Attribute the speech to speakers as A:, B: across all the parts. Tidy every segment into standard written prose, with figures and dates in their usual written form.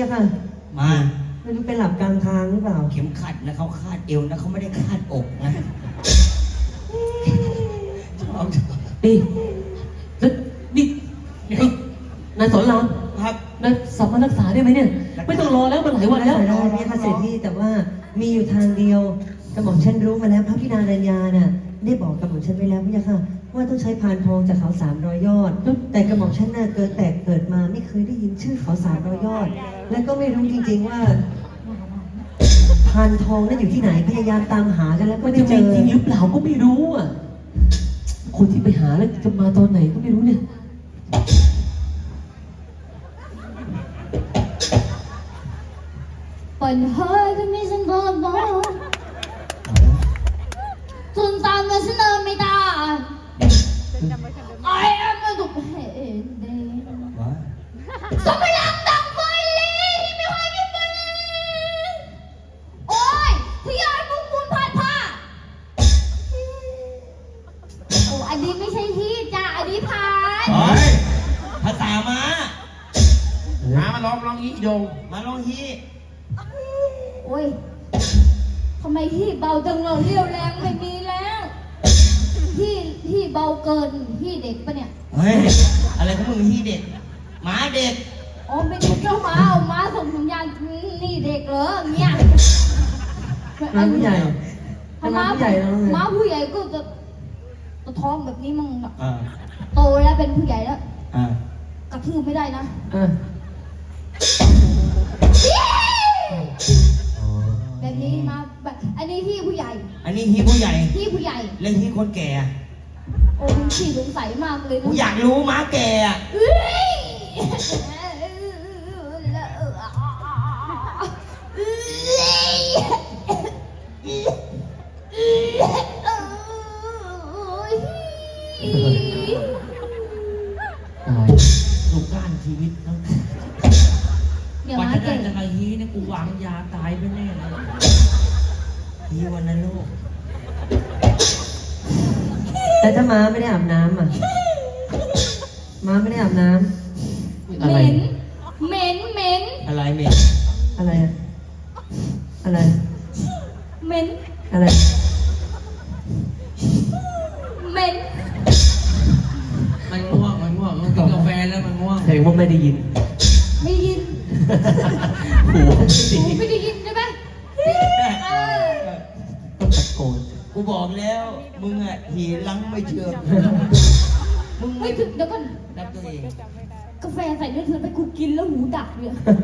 A: ค่ะ
B: มา
A: ไม่รู้เป็นหลับกลางทางหรือเปล่า
B: เข็มขัดนะเขาคาดเอวนะเขาไม่ได้คาดอกนะชอบ
C: นี่แล้วนี่นายสอนราม
B: ครับ
C: นายสามารถรักษาได้ไหมเนี่ย ไม่ต้องรอแล้วมันหลายวันแล้ว
A: ได้พี่ค่ะเสร็จพี่แต่ว่ามีอยู่ทางเดียวกระหม่อมฉันรู้มาแล้วพระพินารัญญาน่ะได้บอกกระหม่อมฉันไว้แล้วพี่ค่ะว่าต้องใช้พานทองจากเขา300 ยอดแต่กระหม่อมฉันน่ะเกิดมาไม่เคยได้ยินชื่อเขา300 ยอดและก็ไม่รู้จริงๆว่าพานทองนั้นอยู่ที่ไหนพยายามตามหากันแล้วก็
C: มัน
A: ไม่
C: จะ
A: เจ
C: มี
A: อ
C: จริงหรือเปล่าก็ไม่รู้อ่ะ คนที่ไปหาแล้วจะมาตอนไหนก็ไม่รู้เนี่ย
D: Phần hơi cái mi sân bờ bờ Xuân tan mà sân ơ mi ta Ai em mà tục hệ đen Sao mày làm đằng vơi đi Mày hỏi cái vơi đi Ôi Thì ai muốn buôn phạt phá Ồ anh đi mới xây hít cha anh đi phạt
B: เฮ้ยภาษามา
E: มาลองอีโยง
B: มาลองฮี
D: โอ้ยทำไมที่เบาจังเราเรี่ยวแรงไม่มีแล้วที่เบาเกินที่เด็กปะเนี่ย
B: เฮ้ยอะไรของมึงฮีเด็กหมาเด็ก
D: อ๋อไม่ใช่เจ้าม้าเอาม้าส่งสัญญาณนี่เด็กเหรอเนี่ย
A: มาผู้ใหญ่
D: ถ้า
A: มา
D: ม้า
A: ผู้ใหญ่แล้วไง
D: ม้าผู้ใหญ่ก็จะท้องแบบนี้มั่งอะ
B: อ่า
D: โตแล้วเป็นผู้ใหญ่แล้ว
B: อ่าก
D: ระทืบไม่ได้นะ
A: อ่ะ
D: แบบนี้มาแบบอันนี้ที่ผู้ใหญ่
B: อันนี้ฮีผู้ใหญ่
D: ที่ผู้ใหญ่
B: เล่นฮีคนแก่อะ
D: โอ้คุณขี้สงสัยมากเลยนะ
B: กูอยากรู้หมาแก่อะ
D: เอ้ย
C: ตาย
E: ลูกก้านชีวิตนะ
D: เดี๋ยว
E: กว่า
D: มา
E: จะได้
D: เก่ง
E: จะมาฮีเนี่ยกูวางยาตายไปแน่เลย
B: ฮีวันนโลก
A: แต่ถ้าม้าไม่ได้อาบน้ำอ่ะม้าไม่ได้อาบน้
C: อะไร
D: เหม็นเหม็น
B: อะไรเมย์
A: ำอะไรอ่ะอะไร
D: เหม็น
A: อะไร
D: เหม็น
E: มันง่วงมันกินกาแฟแล้วมันง่วง
C: แสดงว่าไม่ได้ยิน
D: ไม่ได้ยิน
C: หูไม่ดี
D: หูไม่ได้ยินใช่ไหมเออ
C: ต้องตะโกน
B: กูบอกแล้วมึงอะหีลังไม่เชื่อมึง
D: ไม่
B: ไม่
D: ถึงเดี๋ยวก่อน
B: นับตัวเอง
D: กาแฟใส่เนื้อเธอไปกูกินแล้วหูดับเลย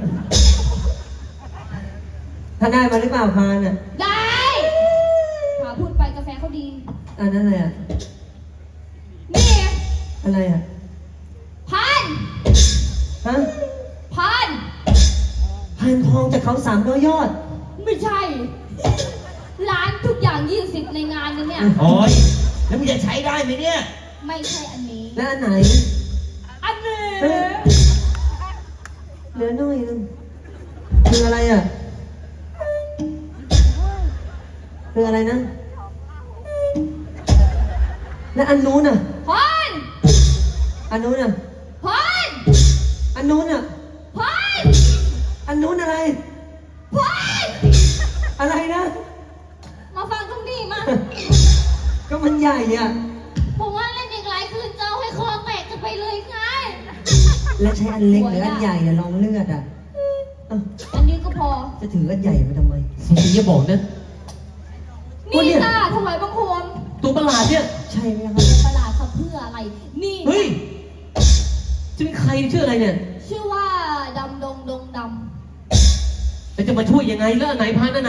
A: ถ้าได้มาหรือเปล่าพานอ่ะ
D: ได้หาพูดไปกาแฟเขาดี
A: อันนั้นอะไรอ่ะ
D: นี่ไง
A: อะไรอ่ะ
D: พัน
A: ฮะ
D: พัน
A: พานทองจากเขา300 ยอด
D: ไม่ใช่ ร้านทุกอย่าง20ในงานนี้เนี่ย
B: โอ้ยแล้วมึงจะใช้ได้ไหมเนี่ย
D: ไม่ใช่อันนี้
A: และอันไหน
D: อันนี้
A: เฮ้ย เหลือน้อยนึงคืออะไรอ่ะคืออะไรนะ และอันนู้นอ่ะ
D: พัน
A: อันนู้นอ่ะ
D: พัน
A: อันนู้นอ่ะ
D: พัน
A: อันนู้นอะไร
D: พัน
A: อะไรนะ
D: มาฟังตรงนี้มา
A: ก็มันใหญ่อ่ะ
D: ผมว่าเล่นอีกหลายคืนจะเอาให้คอแตกกันไปเลยไง
A: และใช้อันเล็กหรืออันใหญ่เนี่ยลองเลือดอ่ะเอ้า
D: อันนี้ก็พอ
A: จะถืออันใหญ่มาทำไม
C: สงสัยจะบอกนะ
D: นี่ค่ะถวายบังคม
C: ตัวประหลาดเนี่ย
A: ใช่ไหมครับ
D: ประหลาดเขาเพื่ออะไร นี่
C: เฮ้ย จะเป็นใครชื่ออะไรเนี่ย
D: ชื่อว่าดำดงดงด
C: แล้วจะมาช่วยยังไงแล้วอันไหนพานอันไหน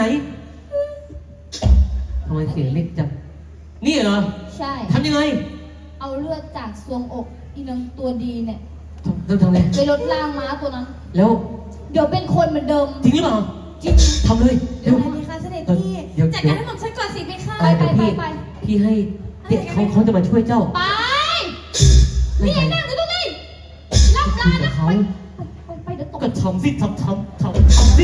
C: ทำไมเสียงเล็กจังนี่เหรอ
D: ำใช่
C: ทำยังไง
D: เอาเลือดจากซวงอกอีนางตัวดีเนี่ย
C: ทำไง
D: ไปลดล่างม้าตัวนั้น
C: แล้ว
D: เดี๋ยวเป็นคนเหมือนเดิม
C: จริงหรือเปล่า
D: จริง
C: ทำเลย
D: เดี๋ยวอะไรดีคะเสด็จพี่
C: เดี๋ยว
D: จัดการให้ผมฉันก่อนสิไปค่ะ
C: ไป
D: ไป
C: เดี๋ยว
D: ไป
C: พี่
D: ไป
C: พี่ให้เด็กเขาจะมาช่วยเจ้า
D: ไปนี่ไงนั่งอยู่ตรงนี้รับร้านนะไปเดี๋ยวตก
C: ก็ทำสิทำสิทำสิ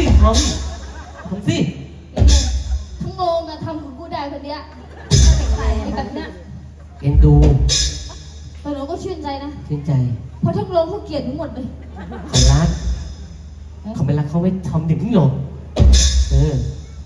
D: ทั้งโงงอะทำกับกูได้คนเนี้ยใส่แบบเนี้ย
C: เอ็นดู
D: แต่เราก็ชื่นใจนะ
C: ชื่นใจ
D: เพราะทั้งโรงเขาเกลียดทั้งหมดเลย
C: เขารักเขาไม่รักรักเขาไม่ทำอย่างนี้หรอกเออ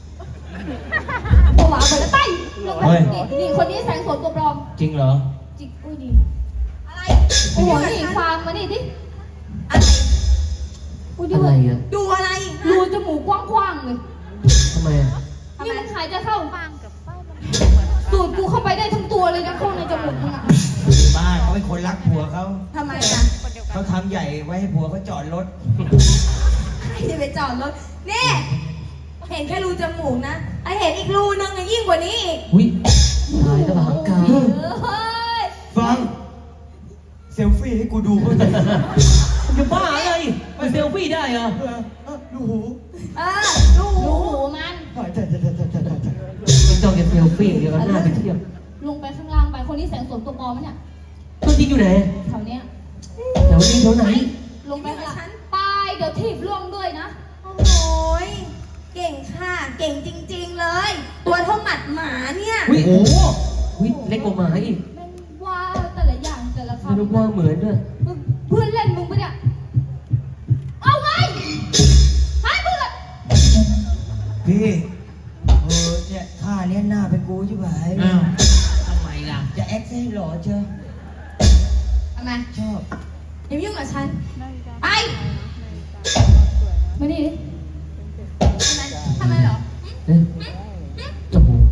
D: ตัวหวานไปแล้วไปลงไปนี่คนนี้แสงสนตัวปลอม
B: จริงเหรอ
D: จิกอุ้ยดีอะไรโอ้โหนี่ฟังมานี่ดิอะไรอุ้ยดู
C: อะไรอ่ะ
D: ดูอะไรรูจมูกกว้างๆเลย
C: ทำไมอ่ะ
D: นี่มันหายใจเข้าสูดกูเข้าไปได้ทั้งตัวเลยนะเข้าในจมูกมึงอะ
B: บ้าเขาเป็นคนรักผัวเขา
D: ทำไมอะ
B: เขาทำใหญ่ไว้ให้ผัวเขาจอดรถ
F: ใครจะไปจอดรถนี่เห็นแค่รูจมูกนะไอเห็นอีกรูนึงอะยิ่งกว่านี้อีก
C: อุ้ยตายแล้วหางกา
D: เฮ้ย
B: ฟัง เซลฟี่ให้กูดูบ้างดิ
C: จะบ้าอะไรไปเซลฟี่ได้เหรอ
B: ดูหู
F: เออรู
D: ดูหูมัน
B: ถ่าย
C: ไม่ต้องจะเซลฟี่เดี๋ยวก็หน้าไปเทียบ
D: ลงไปข้างล่างไปคนนี้แสงสนตัวปลอมมั้ยเนี่ย
C: ตัวจริงอยู่ไหน
D: แถวเนี้ย
C: แถวนี้แถวไหน
D: ลงไปข้างล่างไปเดี๋ยวถีบล่วงด้วยนะ
F: โอ้ยเก่งค่ะ เก่งจริง ๆ เลย ตัวเท่าหมัดหมาเนี่ย
C: อุ้ยโอ้อุ้ยเล็กกว่าหมาอีก
D: แม่งว่าแต่ละอย่างแต่ละ
C: รูป
D: คำ
C: ร่างเหมือนด้วย
D: เพื่อนเล่นมึงปะเนี่ย เอาไงให้เพื่อน
B: พี่เนี่ยท่าเนี้ยหน้าเป็นกูใช่ไหม
E: อ้าวทำไมล่ะ
B: จะแอคให้หล่อเชียว
F: ทำไม
B: ชอบ
F: อย่ามายุ่งกับฉัน ไป
D: มานี่ดิ
F: ทำไมเหรอ
C: เอ๊ะจมูก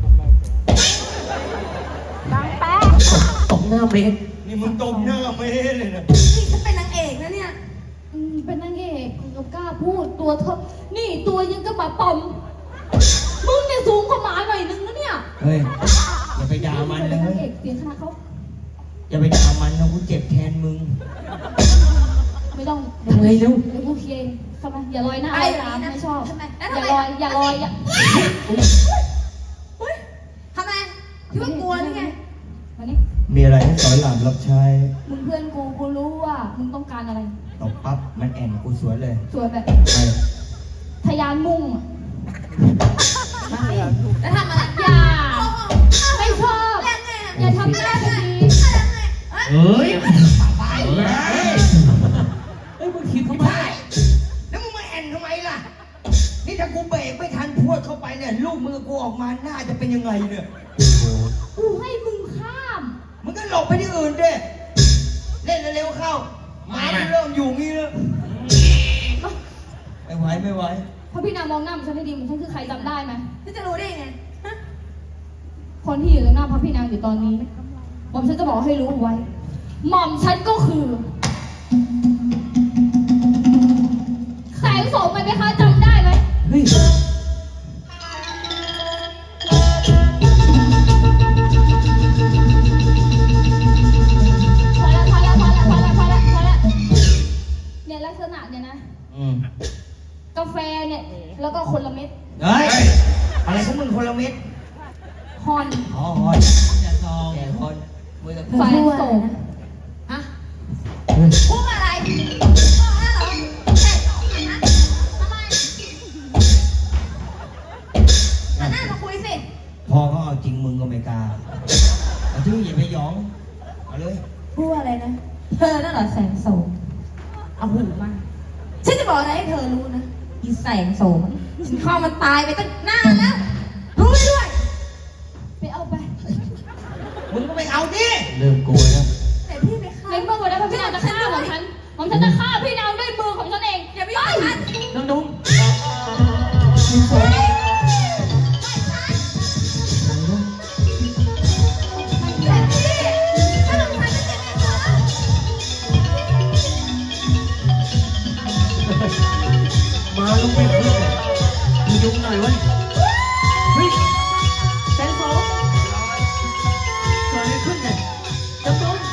C: ตบหน้าเมฆ
B: นี่มึงตบหน้าเมเลยนะ
F: นี่ฉันเป็นนางเอกนะเนี่ย
D: เป็นนางเอกกูก็กล้าพูดตัวเธอนี่ตัวยังก็มาปอม มึงเนี่ยสูงกว่าหมาหน่อยนึงนะเนี่ย
B: เฮ้ย อย่าไปด่ามันเล
D: เป็นนาง
B: ย
D: เอกเสียงขนาดเขา
B: อย่าไปด่ามันนะกูเจ็บแทนมึง
D: ไม่ต้อง
C: ทำไงเร็ว
D: เดี๋ยวกูเคลียร์เองทำไมอย่าลอยหน้า
F: ไป
D: ลอย
F: แบบ
D: ตาม
F: นี้นะ
D: ไม่ชอบ
F: ทำไมแล้ว
D: อ
F: ทำไม
D: ย่าลอยอย่า
F: ทำไมคิดว่ากลัวหรือไง
D: มานี่
B: มีอะไรให้สอนหลานรับใช้
D: มึงเพื่อนกูรู้ว่ามึงต้องการอะไร
B: ตบปั๊บมันแอนกูสวนเลย
D: สวยแบบ
B: ไป
D: ทะยานมุ่งอะ
F: แล้วทำอะไร
D: อย่าไม่ชอบ
F: แรงไงอะ
D: อย่าทำหน้าแบบนี้
B: เฮ้ย
C: เอ้ยมึงถีบทำไม
B: แล้วมึงมาแอนทำไมล่ะ นี่ถ้ากูเบรกไม่ทันพรวดเข้าไปเนี่ย ลูกมือกูออกมาหน้าจะเป็นยังไงเนี่ย
D: กูให้มึงข้าม
B: มึงก็หลบไปที่อื่นดิเล่นเร็วๆเข้าหมามันเริ่มอยู่งี้แล้วไม่ไหว
D: พระพี่นางมองหน้ามันฉันให้ดีมันฉันคือใครจำได้ไหม
F: ฉันจะรู้ได้ยังไงฮะ
D: คนที่อยู่ตรงหน้าพระพี่นางอยู่ตอนนี้หม่อมฉันจะบอกให้รู้ไว้ หม่อมฉันก็คือ แสงโสมไหมคะจำได้ไหม
C: เฮ้ย
D: พอแล้วเนี่ยลักษณะเนี่ยนะ กาแฟเนี่ย แล้วก็คนละเม็ด
B: เฮ้ย อะไรของมึงคนละเม็ด
D: ฮอน
B: อ๋อฮอน
E: อย่าซอง
B: แกฮอนมือกับ
D: แสงโสม
F: ฮะ
C: เฮ้ย
F: พูดอะไรบอกแล้วเหรอแค่สองนะทำไมหันหน้ามาคุยสิ
B: พอเขาเอาจริงมึงก็ไม่กล้าเอาที่อย่าไปหยอง เอาเลย
F: พูดอะไรนะ เธอนั่นเหรอแสงโสม เอาหูมา ฉันจะบอกอะไรให้เธอรู้นะ อีแสงโสมฉันเข้ามันตายไปตั้งนานแล้ว รู้ไว้ด้วย
D: ไปเอาไป
B: มึงก็ไม่เอาดิ
C: เริ่มกลัวแล้ว
F: แต่พี่ไปฆ่า
D: ในเมื่อวันนั้นพระพี่นางจะฆ่าของฉันจะฆ่าพี่นางด้วยมือของฉันเอง
F: อย่าไปยุ่งกับฉัน
C: น้องนุ่ม
F: แต่พี่ถ้าลงทันจะเจ็บไหมคะ
C: มาลงไปเพื่อนมียุงหน่อยเว้ยเฮ้ยแสงโสมเกิดอะไรขึ้นเนี่ยจำต้น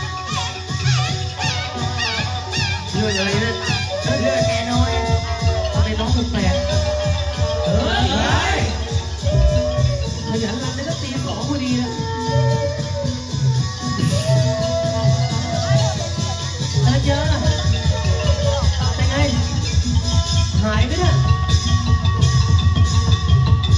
C: เรื่องอะไรเนี่ย
B: เลือดแกน้อย
C: ทำไมน้องแปลกๆเฮ้ยขยันรำได้ก็ตีสองพอดีนะเจอเป็นไงหายไหมเนี่ย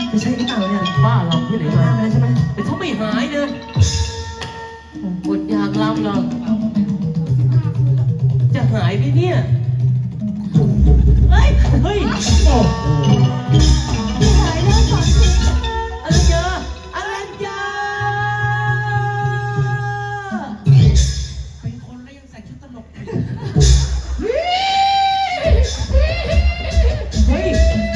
A: จะใช่หรือเปล่าเนี่ย
C: บ้าลำที่ไหน
A: เห็นห
C: มา
A: น้ามาแล้วใช่ไหม
C: แต่ถ้าไม่หายนะอดอยากลำเหรอจะหายไหมเนี่ยเฮ้ยเฮ้ยโอ้โห
D: หายแล้วก่อนสิ
C: อรัญญาอรัญญา
E: เป็นคนแล้วยังใส่ชุดตลกอยู่
C: เฮ้ย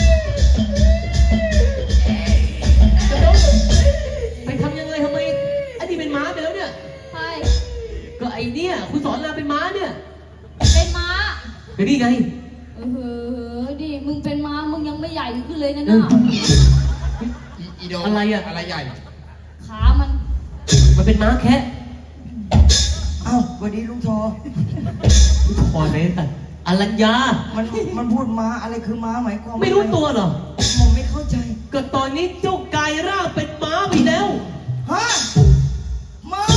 C: จะโดนไปทำยังไงทำไมอันนี้เป็นม้าไปแล้วเนี่ย
D: ใช่
C: ก็ไอเนี่ยคุณสอนรามเป็นม้าเนี่ย
D: เป็นม้า
C: ก็นี่ไง
D: ดิมึงเป็นม้ามึงยังไม่ใหญ่ขึ้นเลยนะ
C: เออ
D: น่ะ
E: อีโด
C: อะไรอะ
E: อะไรใหญ่
D: ขามัน
C: มันเป็นม้าแคะ
B: เอ้าสวัสดีลุงทอ
C: พอไหนแต่อรัญญา
B: มันพูดม้าอะไรคือม้าหมายความ
C: ไม่รู้ตัวเหรอ
B: ผมไม่เข้าใจ
C: ก็ตอนนี้เจ้ากายร่างเป็นม้าไปแล้ว
B: ฮะม้า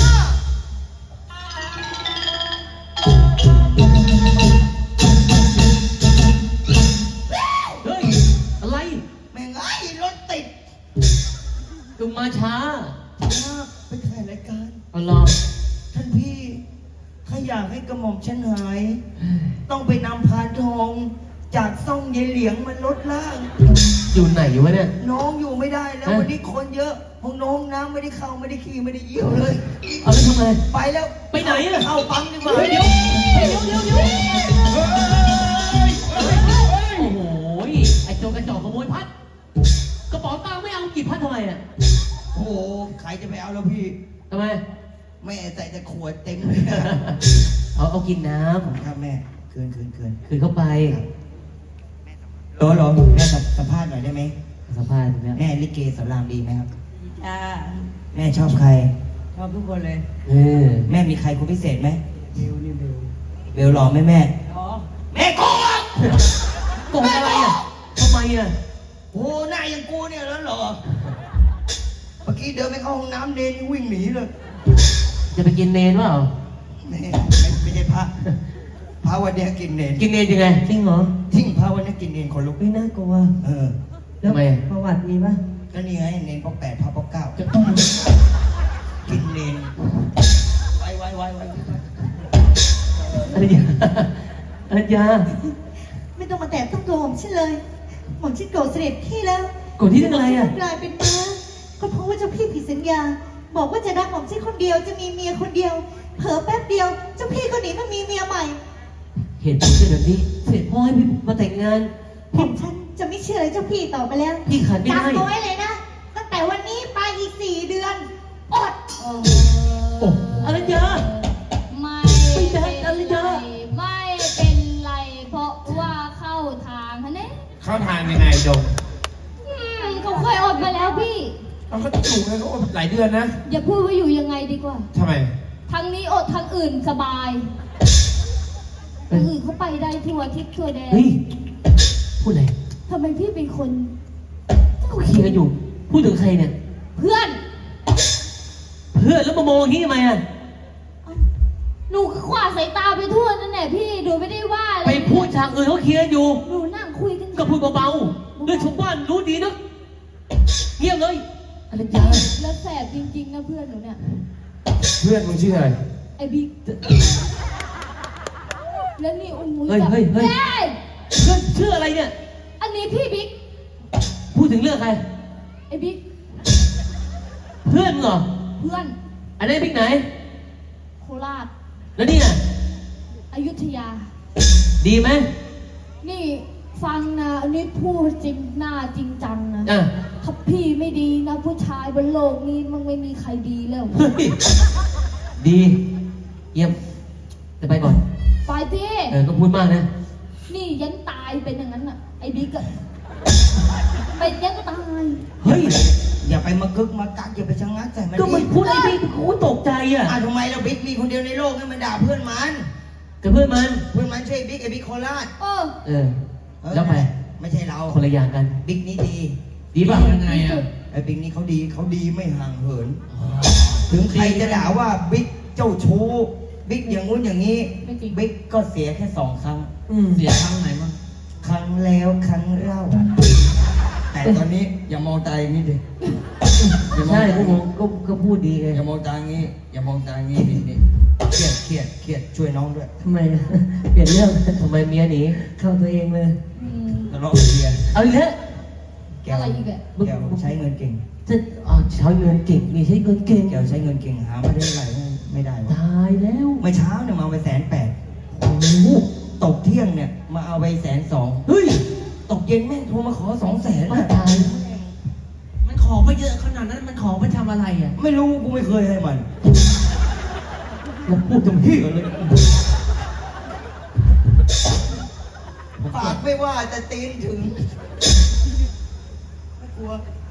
C: เฮ้ย อะไร
B: แม่งไอ้รถติด
C: ดูมาช้า
B: ม้าไปถ่ายรายการ
C: เอาหรอ
B: ท่านพี่ถ้าอยากให้กระหม่อมฉันหาย ต้องไปนำพานทองจากซ่องยายเหลียงมันลดล่าง
C: อยู่ไหนวะเนี่ย
B: น้องอยู่ไม่ได้แล้ว
C: ฮะ
B: วันนี้คนเยอะห้องน้องน้ำไม่ได้เข้าไม่ได้ขี่ไม่ได้เยี่ยวเลย
C: เอาแล้วทำไง
B: ไปแล้ว
C: ไปไหนอะ
B: เข้าปั๊มดีกว่า
C: เฮ้ยเดี๋ยวเฮ้ยเดี๋ยวโอ้โห ไอ้โจรกระจอกขโมยพัด กระเป๋าตังค์ไม่เอากี่พัดทำไมอ่ะ
B: โอ้โหใครจะไปเอาแล้วพี่
C: ทำไม
B: แม่ใส่แต่ขวดเต็มเลยอะ
C: เอากินน้
B: ครับแม่คืน
C: ำคืนเข้าไป
B: รอแม่สัมภาษณ์หน่อยได้ไหม
C: สัมภาษณ์แล้ว
B: แม่ลิเกสอนรามดีไหมครับ
F: จ้า
B: แม่ชอบใคร
F: ชอบทุกคนเลย
C: เออ
B: แม่มีใครคนพิเศษไหม
F: เบลนี่เบล
B: เบลหล่อไหมแม่
F: อ๋อ
B: แม่โกงอ่ะ
C: โกงอะไรอ่ะทำไมอ่ะ
B: โอ้โหหน้าอย่างกูเนี่ยแล้วเหรอเมื่อกี้เดินไปเข้าห้องน้ำเนนยังวิ่งหนีเลย
C: จะไปกินเนนเปล่า
B: ไม่ใช่พระพระวันเนี้ยกินเนน
C: กินเนนยังไง
A: จริงเหรอ
B: ทิ้งพระวันเนี้ยกินเนนคนลุก
A: ไม่น่ากลัว
B: เออ
A: แล้ว
C: ทำไมอะ
A: ประวัติมีป่ะ
B: ก็นี่ไงเนนปอกแปดพระปอกเก้ากินเนนไว้
C: อรัญญาอรัญญา
G: ไม่ต้องมาแตะต้องตัวผมฉันเลยผมฉันโกรธเสด็จพี่แล้ว
C: โกรธที่เรื่องอะไรอ่ะ
G: กลายเป็นม้าก็เพราะว่าเจ้าพี่ผิดสัญญา บอกว่าจะรักผมฉันคนเดียวจะมีเมียคนเดียว เผลอแป๊บเดียวเจ้าพี่ก็หนีมามีเมียใหม่
C: เหตุผลเป็นแบบนี้ เสร็จพ่อให้พี่มาแต่งงาน
G: ผมฉันจะไม่เชื่อเลยเจ้าพี่ต่อไปแล้ว
C: พี่ขัดไม่ได้
G: จำเอาไว้เลยนะตั้งแต่วันนี้ไปอีก4 เดือนอด
C: โอ้อรัญญา
D: ไม่
C: ไม่ได้
D: เป็น
C: อะไร
D: ไร
C: นะ
D: ไม่เป็นไร เพราะว่าเข้าทางฮะเนี่ย
E: เข้าทางยังไงโดม
D: เขาเคยอดมาแล้วพี่
E: เอาเขาอยู่ไงเขาหลายเดือนนะ
D: อย่าพูดว่าอยู่ยังไงดีกว่า
E: ทำไม
D: ทางนี้อดทางอื่นสบายทางอื่นเขาไปได้ทั่วทิศทั่วแดน
C: เฮ้ย พูดอะไร
D: ทำไมพี่เป็นคน
C: ก็เคลียร์กันอยู่ พูดถึงใครเนี่ย
D: เพื่อน
C: เพื่อนแล้วมามองอย่างนี้ทำไมอ่ะ
D: หนูก็ขวาดสายตาไปทั่วนั่นแหละพี่หนูไม่ได้ว่าอะไร
C: ไปพูดฉากอื่นเขาเคลียร์กันอยู่
D: หนูนั่งคุยกัน
C: ก็พูดเบาๆเรื่องชาวบ้านรู้ดีนะเงียบเลยอรัญญา
D: แล้วแสบจริงๆนะเพื่อนหนูเนี่ย
E: เพื่อนมึงชื่ออะไร
D: ไอ้บิ๊กแล้วนี่อุ้ม
C: เฮ้ยเฮ้ยเฮ้ย
D: เฮ้ย
C: เพื่อนชื่ออะไรเนี่ย
D: อันนี้พี่บิ๊ก
C: พูดถึงเรื่องใคร
D: ไอ้บิ๊ก
C: เพื่อนมึงเหรอ
D: เพื่อน
C: อันนี้บิ๊กไหน
D: โคราช
C: แล้วนี่น่ะ
D: อยุธยา
C: ดีไหม
D: นี่ฟังนะอันนี้พูดจริงหน้าจริงจังนะ
C: อ่ะ
D: ถ้าพี่ไม่ดีนะผู้ชายบนโลกนี้มันไม่มีใครดีแล้ว
C: เฮ้ยดี เยี่ยม จะไปก่อน
D: ไปพี่
C: ต้องพูดมากนะ
D: นี่ยันตายเป็นอย่างนั้นอ่ะ ไอ้บิ๊กอะเป็นยันตาย
C: เฮ้ย
B: อย่าไปมากึกมากักอย่าไปชะงักใส่มัน
C: ก็มันพูดไอ้บิ๊กกูตกใจอ่ะ
B: ทำไมเราบิ๊กมีคนเดียวในโลกให้มันด่าเพื่อนมัน
C: กับเพื่อนมัน
B: เพื่อนมันใช่บิ๊กไอ้บิ๊กโคราช
D: เออ
C: เออ แล้วไป
B: ไม่ใช่เรา
C: คนละอย่างกัน
B: บิ๊กนี่ดี
C: ดีป่ะ
E: ยังไงอ่ะ
B: ไอ้บิ๊กนี่เขาดีไม่ห่างเหิน ถึงใครจะด่าว่าบิ๊กเจ้าชู้บิ๊กอย่างงู้นอย่างนี้
D: ไม่จริง
B: บิ๊กก็เสียแค่2 ครั้ง
C: อืม
E: เสียครั้งไหนมั้ง
B: ครั้งแล้วครั้งเล่า แต่ตอนนี้อย่ามองตาอย่างนี้ดิอย่ามอง
A: ใช่
B: ตา
A: พวกมองก็พูดดีไง
B: อย่ามองตาอย่างนี้อย่ามองตาอย่างนี้นี่เครียดช่วยน้องด้วย
A: ทำไมอะเปลี่ยนเรื่อง
C: ทำไมเมียหนี
A: เข้าตัวเองเลย
B: ทะเลาะกับเมีย
C: เอาอีกแล้ว
B: แก้ว
D: อะไรอีกอะ
B: แก้วใช้เงินเก่ง
C: จะใช้เงินเก่งมีใช้เงินเก่ง
B: แก้วใช้เงินเก่งหามาได้เท่าไหร่ไม่ได้วะ
C: ตายแล้ว
B: เมื่อเช้าเนี่ยมาเอาไป180,000
C: โอ้โห
B: ตกเที่ยงเนี่ยมาเอาไป120,000
C: เฮ้ย
B: ตกเย็นแม่งโทรมาขอ200,000
C: ว่าตายมันขอไปเยอะขนาดนั้นมันขอไปทำอะไรอ่ะ
B: ไม่รู้กูไม่เคยให้มันแล้วพูดจำพี่กันเลยปากไม่ว่าแต่ตีนถึงไม่กลัว